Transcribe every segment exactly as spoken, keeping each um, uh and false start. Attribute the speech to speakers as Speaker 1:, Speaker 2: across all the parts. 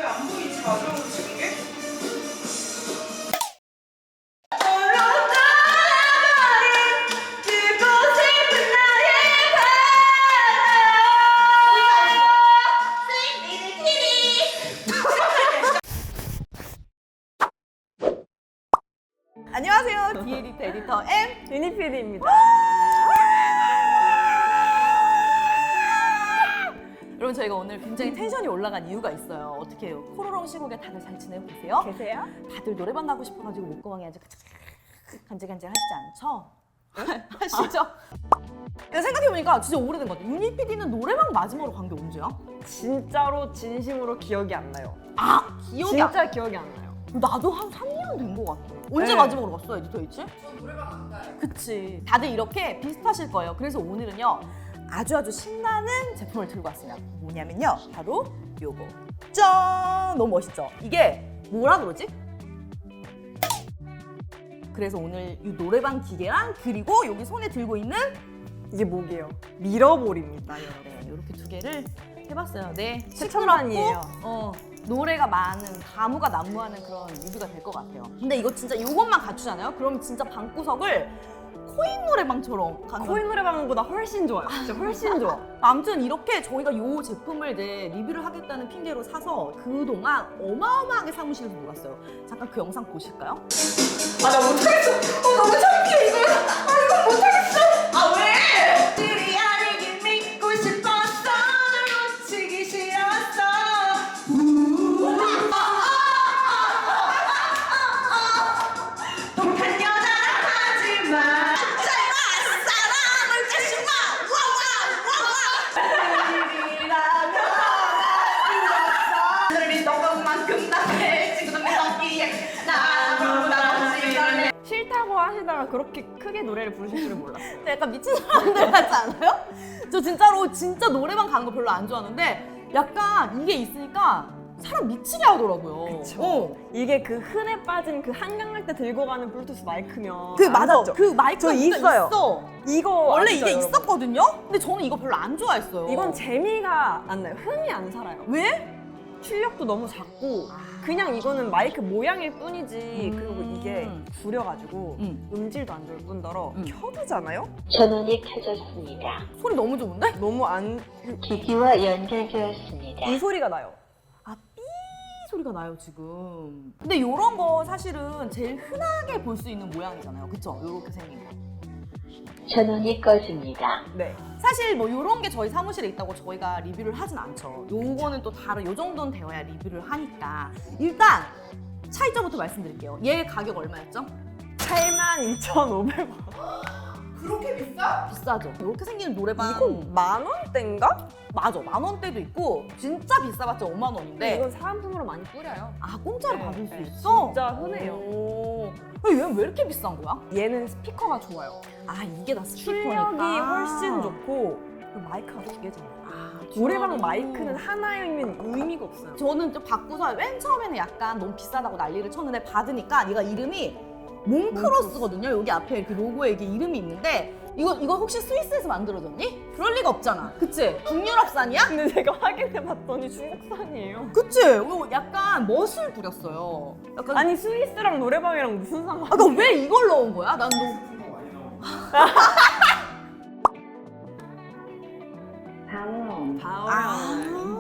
Speaker 1: 왜 안 보이지? 마지막으로 찍은 게?
Speaker 2: 안녕하세요. 디에디터 에디터 M
Speaker 3: 유니피디입니다.
Speaker 2: 여러분, 저희가 오늘 굉장히 텐션이 올라간 이유가 있어요. 어떻게 해요? 코로롱 시국에 다들 잘 지내고 계세요?
Speaker 3: 계세요?
Speaker 2: 다들 노래방 가고 싶어가지고 목구멍이 아주 간질간질 하시지 않죠? 하시죠? 내가 생각해보니까 진짜 오래된 것 같아요. 유니피디는 노래방 마지막으로 간 게 언제야?
Speaker 3: 진짜로 진심으로 기억이 안 나요.
Speaker 2: 아! 기억이
Speaker 3: 진짜
Speaker 2: 안...
Speaker 3: 기억이 안 나요.
Speaker 2: 나도 한 삼 년 된 것 같아. 언제
Speaker 3: 네.
Speaker 2: 마지막으로 갔어, 에디터 H?
Speaker 1: 저 노래방 안 가요.
Speaker 2: 그치. 다들 이렇게 비슷하실 거예요. 그래서 오늘은요, 아주 아주 신나는 제품을 들고 왔습니다. 뭐냐면요, 바로 요거. 짠! 너무 멋있죠? 이게 뭐라 그러지? 그래서 오늘 이 노래방 기계랑 그리고 여기 손에 들고 있는
Speaker 3: 이게 뭐게요? 미러볼입니다, 여러분.
Speaker 2: 네, 이렇게 두 개를 해봤어요. 네,
Speaker 3: 최첨단이에요.
Speaker 2: 시끄럽고, 어, 노래가 많은, 가무가 난무하는 그런 뮤비가 될 것 같아요. 근데 이거 진짜 이것만 갖추잖아요? 그럼 진짜 방구석을 코인 노래방처럼 가는
Speaker 3: 코인 노래방보다 훨씬 좋아요. 진짜 훨씬 좋아.
Speaker 2: 아무튼 이렇게 저희가 이 제품을 이제 리뷰를 하겠다는 핑계로 사서 그동안 어마어마하게 사무실에서 놀았어요. 잠깐 그 영상 보실까요?
Speaker 1: 아, 나 못하겠어. 어, 너무 창피해, 이거. 아, 이거 못하겠어. 아, 왜? 들이 아니긴 믿고 싶었어. 널 놓치기 싫었어. 우. 아, 아, 아, 아, 아, 아. 독한 여자라 하지 마. 사랑을 다시 마. 일이라면 나 들이 너만큼 나를 지금 내 덕기에 나보다 없이 걸래.
Speaker 3: 싫다고 하시다가 그렇게 크게 노래를 부르실 줄은 몰랐어요.
Speaker 2: 약간 미친 사람들 같지 않아요? 저 진짜로 진짜 노래방 가는 거 별로 안 좋아하는데 약간 이게 있으니까 사람 미치게 하더라고요.
Speaker 3: 그쵸.
Speaker 2: 어.
Speaker 3: 이게 그 흔해 빠진 그 한강할 때 들고 가는 블루투스 마이크면
Speaker 2: 그
Speaker 3: 안
Speaker 2: 맞아.
Speaker 3: 샀죠?
Speaker 2: 그 마이크가
Speaker 3: 저
Speaker 2: 진짜
Speaker 3: 있어요.
Speaker 2: 있어.
Speaker 3: 이거
Speaker 2: 원래
Speaker 3: 아시죠,
Speaker 2: 이게
Speaker 3: 여러분?
Speaker 2: 있었거든요. 근데 저는 이거 별로 안 좋아했어요.
Speaker 3: 이건 재미가 안 나요. 흥이 안 살아요.
Speaker 2: 왜?
Speaker 3: 출력도 너무 작고 그냥 이거는 마이크 모양일 뿐이지.
Speaker 2: 음.
Speaker 3: 그리고 이게 구려가지고
Speaker 2: 음.
Speaker 3: 음질도 안 좋을 뿐더러
Speaker 2: 음.
Speaker 3: 켜두잖아요?
Speaker 4: 전원이 켜졌습니다.
Speaker 2: 소리 너무 좋은데?
Speaker 3: 너무 안...
Speaker 4: 기기와 연결되었습니다.
Speaker 3: 이 소리가 나요.
Speaker 2: 아, 삐 소리가 나요 지금. 근데 이런 거 사실은 제일 흔하게 볼 수 있는 모양이잖아요. 그쵸? 이렇게 생긴 거.
Speaker 4: 전원이 꺼집니다.
Speaker 3: 네.
Speaker 2: 사실 뭐 이런 게 저희 사무실에 있다고 저희가 리뷰를 하진 않죠. 요거는 또 다른, 요 정도는 되어야 리뷰를 하니까. 일단 차이점부터 말씀드릴게요. 얘 가격 얼마였죠?
Speaker 3: 팔만 이천오백 원.
Speaker 1: 그렇게 비싸?
Speaker 2: 비싸죠. 이렇게 생기는 노래방.
Speaker 3: 이건 만 원대인가?
Speaker 2: 맞아. 만 원대도 있고 진짜 비싸봤자 오만 원인데.
Speaker 3: 이건 사은품으로 많이 뿌려요.
Speaker 2: 아, 공짜로
Speaker 3: 네,
Speaker 2: 받을 수
Speaker 3: 네,
Speaker 2: 있어?
Speaker 3: 진짜 흔해요.
Speaker 2: 오. 얘는 왜 이렇게 비싼 거야?
Speaker 3: 얘는 스피커가 좋아요.
Speaker 2: 아, 이게 다 스피커니까.
Speaker 3: 출력이 훨씬 좋고 그리고 마이크가 두 개잖아요.
Speaker 2: 아,
Speaker 3: 노래방
Speaker 2: 듀얼이.
Speaker 3: 마이크는 하나이면 의미가 없어요.
Speaker 2: 저는 좀 받고서 맨 처음에는 약간 너무 비싸다고 난리를 쳤는데 받으니까 얘가 이름이 몽크로스거든요. 여기 앞에 이렇게 로고에 이게 이름이 있는데 이거 이거 혹시 스위스에서 만들어졌니? 그럴 리가 없잖아. 그치? 북유럽산이야?
Speaker 3: 근데 제가 확인해봤더니 중국산이에요.
Speaker 2: 그치? 이거 약간 멋을 부렸어요. 약간
Speaker 3: 아니 스위스랑 노래방이랑 무슨 상관?
Speaker 2: 아, 너 왜 이걸 넣은 거야? 난 너.
Speaker 4: 다음.
Speaker 2: 아,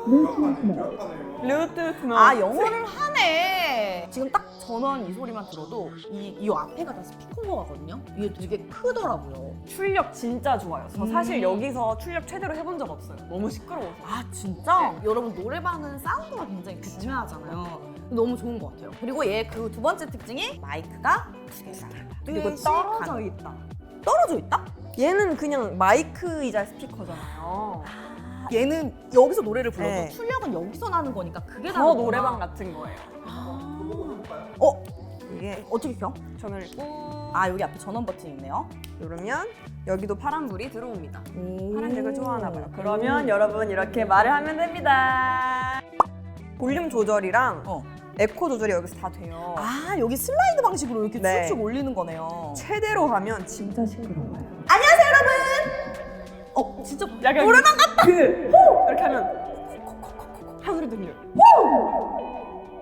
Speaker 3: 블루투스 노.
Speaker 2: 아 영어를 하네. 지금 딱 전원 이 소리만 들어도 이, 이 앞에가 다 스피커인 거 같거든요. 이게 되게 크더라고요.
Speaker 3: 출력 진짜 좋아요. 저 사실
Speaker 2: 음.
Speaker 3: 여기서 출력 최대로 해본 적 없어요. 너무 시끄러워서.
Speaker 2: 아 진짜? 여러분 노래방은 사운드가 굉장히 중요하잖아요. 너무 좋은 것 같아요. 그리고 얘 그 두 번째 특징이 마이크가 두 개가
Speaker 3: 그리고 떨어져 있다.
Speaker 2: 떨어져 있다?
Speaker 3: 얘는 그냥 마이크이자 스피커잖아요.
Speaker 2: 얘는 여기서 노래를 불러도
Speaker 3: 네.
Speaker 2: 출력은 여기서 나는 거니까 그게
Speaker 3: 더
Speaker 2: 다르구나.
Speaker 3: 노래방 같은 거예요.
Speaker 2: 아. 어?
Speaker 3: 이게
Speaker 2: 어떻게 켜?
Speaker 3: 전원을 꾹
Speaker 2: 아 여기 앞에 전원 버튼이 있네요.
Speaker 3: 누르면 여기도 파란불이 들어옵니다.
Speaker 2: 오.
Speaker 3: 파란색을 좋아하나 봐요. 그러면 여러분 이렇게 말을 하면 됩니다. 볼륨 조절이랑
Speaker 2: 어.
Speaker 3: 에코 조절이 여기서 다 돼요.
Speaker 2: 아 여기 슬라이드 방식으로 이렇게
Speaker 3: 네.
Speaker 2: 쭉쭉 올리는 거네요.
Speaker 3: 최대로 하면 진짜 시끄러워요.
Speaker 2: 안녕하세요 여러분. 어 진짜
Speaker 3: 약간
Speaker 2: 노래방 같다.
Speaker 3: 그 이렇게 하면 한 소리 들려요.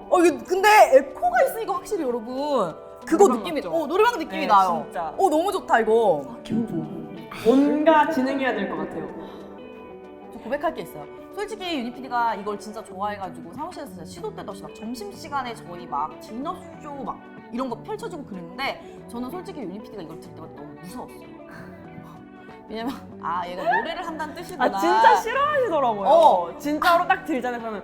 Speaker 2: 어 이게 근데 에코가 있으니까 확실히 여러분 그거
Speaker 3: 노래방
Speaker 2: 느낌이
Speaker 3: 같죠?
Speaker 2: 어 노래방 느낌이
Speaker 3: 네,
Speaker 2: 나요.
Speaker 3: 진짜.
Speaker 2: 어 너무 좋다 이거.
Speaker 3: 아, 기분 좋아. 뭔가 진행해야 될 것 같아요.
Speaker 2: 저 고백할 게 있어요. 솔직히 유니피디가 이걸 진짜 좋아해가지고 사무실에서 진짜 시도 때도 없이 막 점심시간에 저희 막 디너쇼 막 이런 거 펼쳐주고 그랬는데 저는 솔직히 유니피디가 이걸 들을 때마다 너무 무서웠어요. 왜냐면 아 얘가 노래를 한다는 뜻이구나.
Speaker 3: 아 진짜 싫어하시더라고요.
Speaker 2: 어.
Speaker 3: 진짜로 딱 들잖아요. 그러면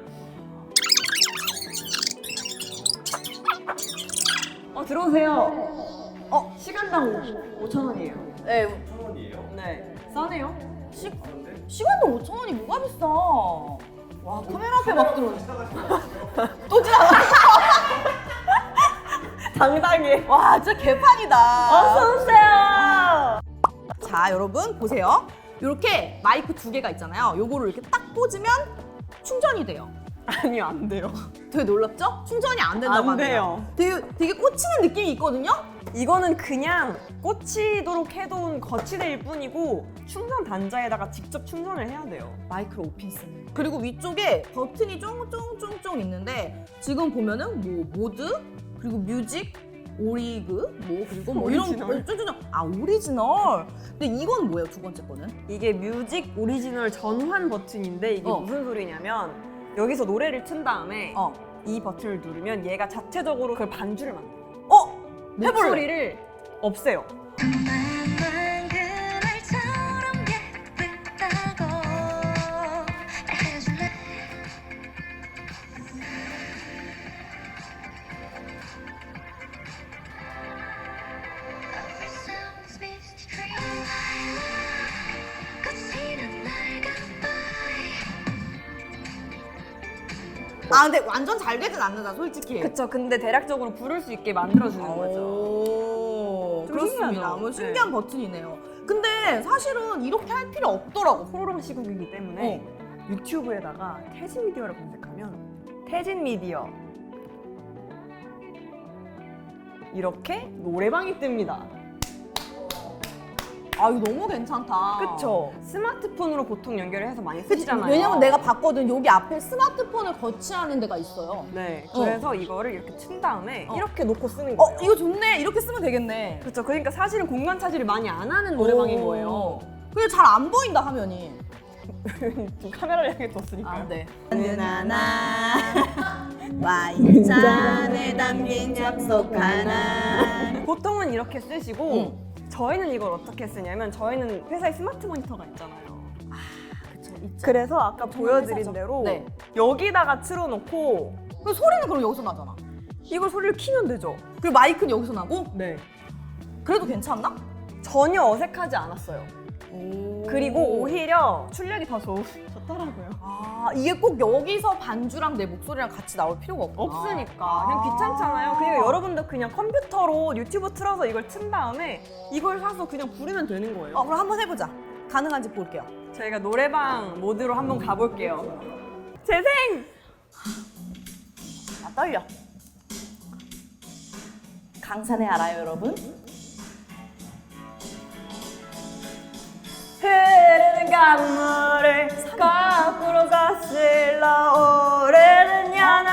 Speaker 3: 어 들어오세요. 어 시간당 오천 원이에요.
Speaker 2: 네,
Speaker 5: 천 원이에요?
Speaker 3: 네. 싸네요.
Speaker 2: 시, 시간도 오천 원이 뭐가 비싸. 와 카메라 앞에 막 들어오네. 또 지나가.
Speaker 3: 당당해.
Speaker 2: 와 진짜 개판이다.
Speaker 3: 어서 오세요.
Speaker 2: 자 여러분 보세요. 이렇게 마이크 두 개가 있잖아요. 요거를 이렇게 딱 꽂으면 충전이 돼요.
Speaker 3: 아니요 안 돼요.
Speaker 2: 되게 놀랍죠? 충전이 안 된다고
Speaker 3: 안 돼요.
Speaker 2: 하네요. 되게, 되게 꽂히는 느낌이 있거든요?
Speaker 3: 이거는 그냥 꽂히도록 해둔 거치대일 뿐이고 충전 단자에다가 직접 충전을 해야 돼요.
Speaker 2: 마이크로 오핀 쓰는. 그리고 위쪽에 버튼이 쫑쫑쫑쫑 있는데 지금 보면은 뭐 모드 그리고 뮤직 오리그 뭐 그리고 뭐
Speaker 3: 오리지널.
Speaker 2: 이런 쫑쫑쫑 아 오리지널. 근데 이건 뭐예요 두 번째 거는?
Speaker 3: 이게 뮤직 오리지널 전환 버튼인데 이게
Speaker 2: 어.
Speaker 3: 무슨 소리냐면 여기서 노래를 튼 다음에
Speaker 2: 어.
Speaker 3: 이 버튼을 누르면 얘가 자체적으로 그 반주를 만들어요.
Speaker 2: 어? 해볼래?
Speaker 3: 목소리를 없애요.
Speaker 2: 아 근데 완전 잘 되진 않는다 솔직히.
Speaker 3: 그쵸. 근데 대략적으로 부를 수 있게 만들어주는 거죠.
Speaker 2: 오,
Speaker 3: 좀
Speaker 2: 그렇습니다.
Speaker 3: 신기하죠?
Speaker 2: 뭐 신기한 버튼이네요. 근데 사실은 이렇게 할 필요 없더라고.
Speaker 3: 호로록 시국이기 때문에 유튜브에다가 태진 미디어를 검색하면 태진 미디어 이렇게 노래방이 뜹니다.
Speaker 2: 아 이거 너무 괜찮다.
Speaker 3: 그쵸? 스마트폰으로 보통 연결을 해서 많이 쓰시잖아요.
Speaker 2: 왜냐면 내가 봤거든. 여기 앞에 스마트폰을 거치하는 데가 있어요.
Speaker 3: 네,
Speaker 2: 어.
Speaker 3: 그래서 이거를 이렇게 친 다음에
Speaker 2: 어.
Speaker 3: 이렇게 놓고 쓰는
Speaker 2: 어
Speaker 3: 거예요.
Speaker 2: 이거 좋네. 이렇게 쓰면 되겠네.
Speaker 3: 그렇죠. 그러니까 사실은 공간 차지를 많이 안 하는 노래방인 거예요.
Speaker 2: 근데 잘 안 보인다 화면이.
Speaker 3: 좀 카메라를 향해 뒀으니까요.
Speaker 2: 아 네. 나나 와인잔에 담긴 약속 하나.
Speaker 3: 보통은 이렇게 쓰시고
Speaker 2: 응.
Speaker 3: 저희는 이걸 어떻게 쓰냐면 저희는 회사에 스마트 모니터가 있잖아요.
Speaker 2: 그쵸 있죠.
Speaker 3: 그래서 아까 보여드린
Speaker 2: 회사죠.
Speaker 3: 대로
Speaker 2: 네.
Speaker 3: 여기다가 틀어놓고
Speaker 2: 그 소리는 그럼 여기서 나잖아.
Speaker 3: 이걸 소리를 키면 되죠.
Speaker 2: 그리고 마이크는 여기서 나고.
Speaker 3: 네.
Speaker 2: 그래도 괜찮나?
Speaker 3: 전혀 어색하지 않았어요.
Speaker 2: 오.
Speaker 3: 그리고 오히려 출력이 더 좋, 좋더라고요.
Speaker 2: 아 이게 꼭 여기서 반주랑 내 목소리랑 같이 나올 필요가 없구나.
Speaker 3: 없으니까 그냥 귀찮잖아요. 그리고 여러분도 그냥 컴퓨터로 유튜브 틀어서 이걸 튼 다음에 이걸 사서 그냥 부르면 되는 거예요.
Speaker 2: 어 그럼 한번 해보자. 가능한지 볼게요.
Speaker 3: 저희가 노래방 모드로 한번 가볼게요. 재생!
Speaker 2: 나 떨려. 강산에 알아요 여러분?
Speaker 3: 흐르는 강물을 거꾸로 거슬러 오르는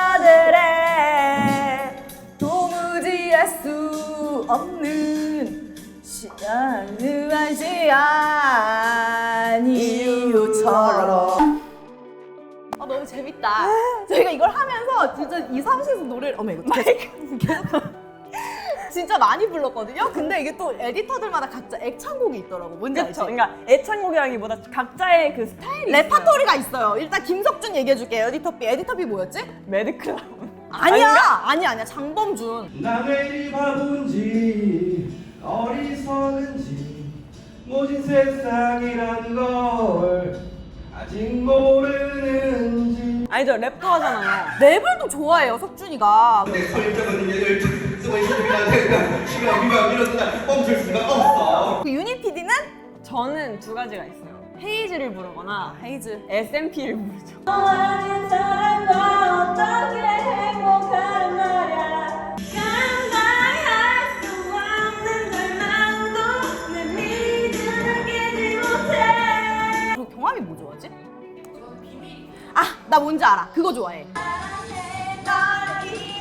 Speaker 3: 연어들의
Speaker 2: 도무지 알 수 없는 시간을 알지 않은 이유처럼. 아 너무 재밌다. 저희가 이걸 하면서 진짜 이 사무실에서 노래를 어머 이거 계속 계속 진짜 많이 불렀거든요. 근데 이게 또 에디터들마다 각자 애창곡이 있더라고. 뭔지 알지?
Speaker 3: 그렇죠. 그러니까 애창곡이라기보다 각자의 그 스타일이
Speaker 2: 레파토리가 있어요. 일단 김석준 얘기해줄게요. 에디터 B. 에디터 B 뭐였지?
Speaker 3: 매드클라운.
Speaker 2: 아니야. 아니야 아니야. 장범준.
Speaker 5: 나왜 이 바본지 어리석은지 모진 세상이란 걸 아직 모르는지
Speaker 3: 아니죠. 랩도 하잖아요.
Speaker 2: 랩을 또 좋아해요. 석준이가.
Speaker 5: 내 설정은 얘를 쓰고 있으니까 내가 시간 비가 밀어서 멈출 수가 없어.
Speaker 2: 그 유니피디는
Speaker 3: 저는 두 가지가 있어요. 헤이즈를 부르거나
Speaker 2: 헤이즈.
Speaker 3: 에스엠피를 부르죠.
Speaker 1: 너라는 사람과 어떻게 행복한 말야 감당할 수 없는 절망도 내 믿음을 깨지 못해.
Speaker 2: 그리고 경함이 뭐 좋아하지? 아, 나 뭔지 알아. 그거 좋아해.
Speaker 1: 널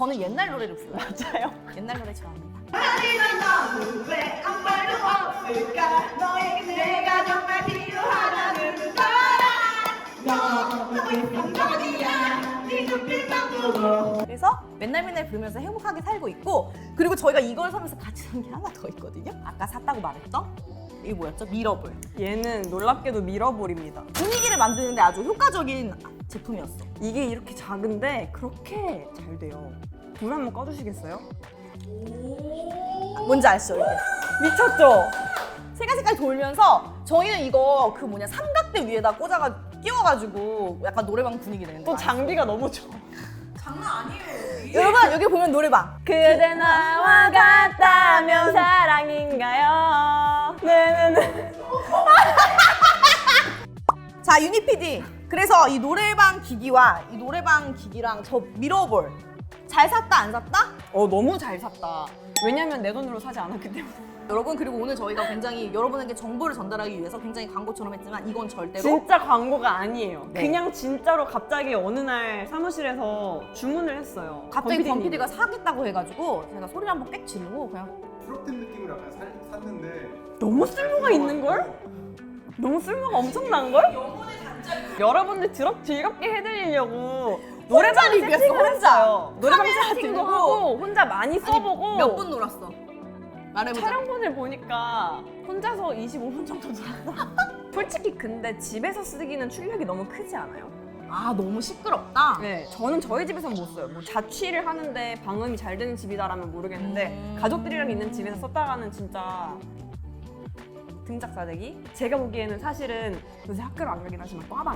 Speaker 2: 저는 옛날 노래를 불러요.
Speaker 3: 맞아요.
Speaker 2: 옛날 노래 좋아합니다.
Speaker 1: 하지만 너는 왜 아무 말도 없을까? 너에게 내가 정말 필요하다는 걸 알아. 너의 감정이야. 네 눈빛만 보고.
Speaker 2: 그래서 맨날 맨날 부르면서 행복하게 살고 있고, 그리고 저희가 이걸 사면서 같이 산 게 하나 더 있거든요. 아까 샀다고 말했던 이게 뭐였죠? 미러볼.
Speaker 3: 얘는 놀랍게도 미러볼입니다.
Speaker 2: 분위기를 만드는데 아주 효과적인 제품이었어.
Speaker 3: 이게 이렇게 작은데 그렇게 잘 돼요. 불 한번 꺼주시겠어요?
Speaker 2: 뭔지 아시죠? 이게
Speaker 3: 미쳤죠?
Speaker 2: 색깔 색깔 돌면서 저희는 이거 그 뭐냐 삼각대 위에다 꽂아가 끼워가지고 약간 노래방 분위기 내는
Speaker 3: 또
Speaker 2: 거.
Speaker 3: 장비가 너무 좋아.
Speaker 2: 여러분 여기 보면 노래방.
Speaker 3: 그대 나와 같다면 사랑인가요? 네네네.
Speaker 2: 자 유니 피디. 그래서 이 노래방 기기와 이 노래방 기기랑 저 미러볼 잘 샀다 안 샀다?
Speaker 3: 어 너무 잘 샀다. 왜냐면 내 돈으로 사지 않았기 때문에.
Speaker 2: 여러분 그리고 오늘 저희가 굉장히 여러분에게 정보를 전달하기 위해서 굉장히 광고처럼 했지만 이건 절대로
Speaker 3: 진짜 광고가 아니에요.
Speaker 2: 네.
Speaker 3: 그냥 진짜로 갑자기 어느 날 사무실에서 주문을 했어요.
Speaker 2: 갑자기 권
Speaker 3: 권
Speaker 2: 피디가 사겠다고 해가지고 제가 소리를 한번 빽 지르고 그냥
Speaker 6: 프로틴 느낌으로 약간 살, 샀는데
Speaker 3: 너무 쓸모가 있는 걸? 너무 쓸모가 엄청난 걸? 여러분들 드럽 즐겁게 해드리려고 노래방
Speaker 2: 리뷰였어,
Speaker 3: 세팅을
Speaker 2: 혼자.
Speaker 3: 했어요. 노래방
Speaker 2: 카메라
Speaker 3: 세팅도
Speaker 2: 들고.
Speaker 3: 하고 혼자 많이 써보고
Speaker 2: 몇 분 놀았어? 말해보자.
Speaker 3: 촬영본을 보니까 혼자서 이십오 분 정도 놀았어. 솔직히 근데 집에서 쓰기는 출력이 너무 크지 않아요?
Speaker 2: 아 너무 시끄럽다.
Speaker 3: 네, 저는 저희 집에서는 못 써요. 뭐 자취를 하는데 방음이 잘 되는 집이다라면 모르겠는데
Speaker 2: 음.
Speaker 3: 가족들이랑 있는 집에서 썼다가는 진짜 등짝 싸대기? 제가 보기에는 사실은 요새 학교를 안 가긴 하지만 과방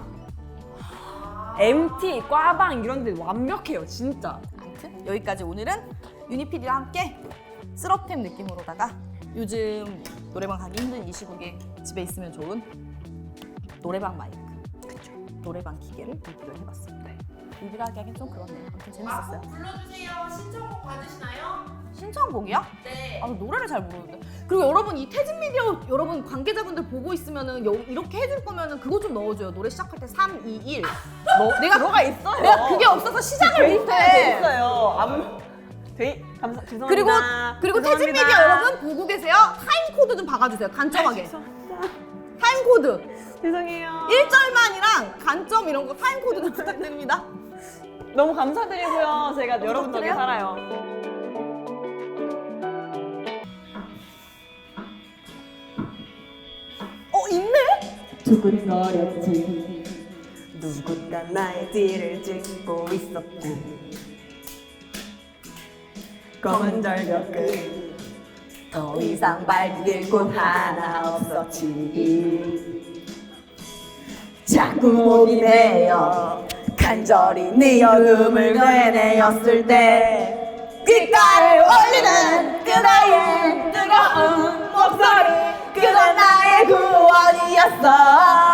Speaker 3: 엠티, 과방 이런 데 완벽해요, 진짜.
Speaker 2: 아무튼 여기까지 오늘은 유니피디와 함께 쓰럽템 느낌으로다가 요즘 노래방 가기 힘든 이 시국에 집에 있으면 좋은 노래방 마이크, 그쵸? 노래방 기계를 리뷰를 해봤습니다. 리뷰를 하기 하긴 좀 그렇네요. 아무튼 재밌었어요.
Speaker 1: 불러주세요. 신청곡 받으시나요?
Speaker 2: 신청곡이야?
Speaker 1: 네.
Speaker 2: 아, 나 노래를 잘 모르는데. 그리고 여러분 이 태진 미디어 여러분 관계자분들 보고 있으면은 여- 이렇게 해줄 거면은 그거 좀 넣어줘요. 노래 시작할 때 삼, 이, 일.
Speaker 3: 너,
Speaker 2: 내가
Speaker 3: 들어가 있어요.
Speaker 2: 내가 그게 없어서 시작을
Speaker 3: 돼
Speaker 2: 못해.
Speaker 3: 있어요. 아무 돼 감사 죄송합니다.
Speaker 2: 그리고 그리고 태진
Speaker 3: 죄송합니다.
Speaker 2: 미디어 여러분 보고 계세요. 타임 코드 좀 박아주세요. 간점하게.
Speaker 3: 죄송합니다.
Speaker 2: 타임 코드.
Speaker 3: 죄송해요.
Speaker 2: 일 절만이랑 간점 이런 거 타임 코드 좀 부탁드립니다.
Speaker 3: 너무 감사드리고요. 제가 여러분 덕에
Speaker 2: 그래요?
Speaker 3: 살아요.
Speaker 2: 어 있네?
Speaker 3: 두근거렸지. 누군가 나의 뒤를 찍고 있었지. 검은 절벽 끝.
Speaker 2: 더 이상 밟을 곳 하나
Speaker 3: 없었지.
Speaker 2: 자꾸 목이 메여 간절히 네 얼음을 되뇌었을 때 귓가를 올리는 그대의 뜨거운 목소리 그건 나의 구원이었어.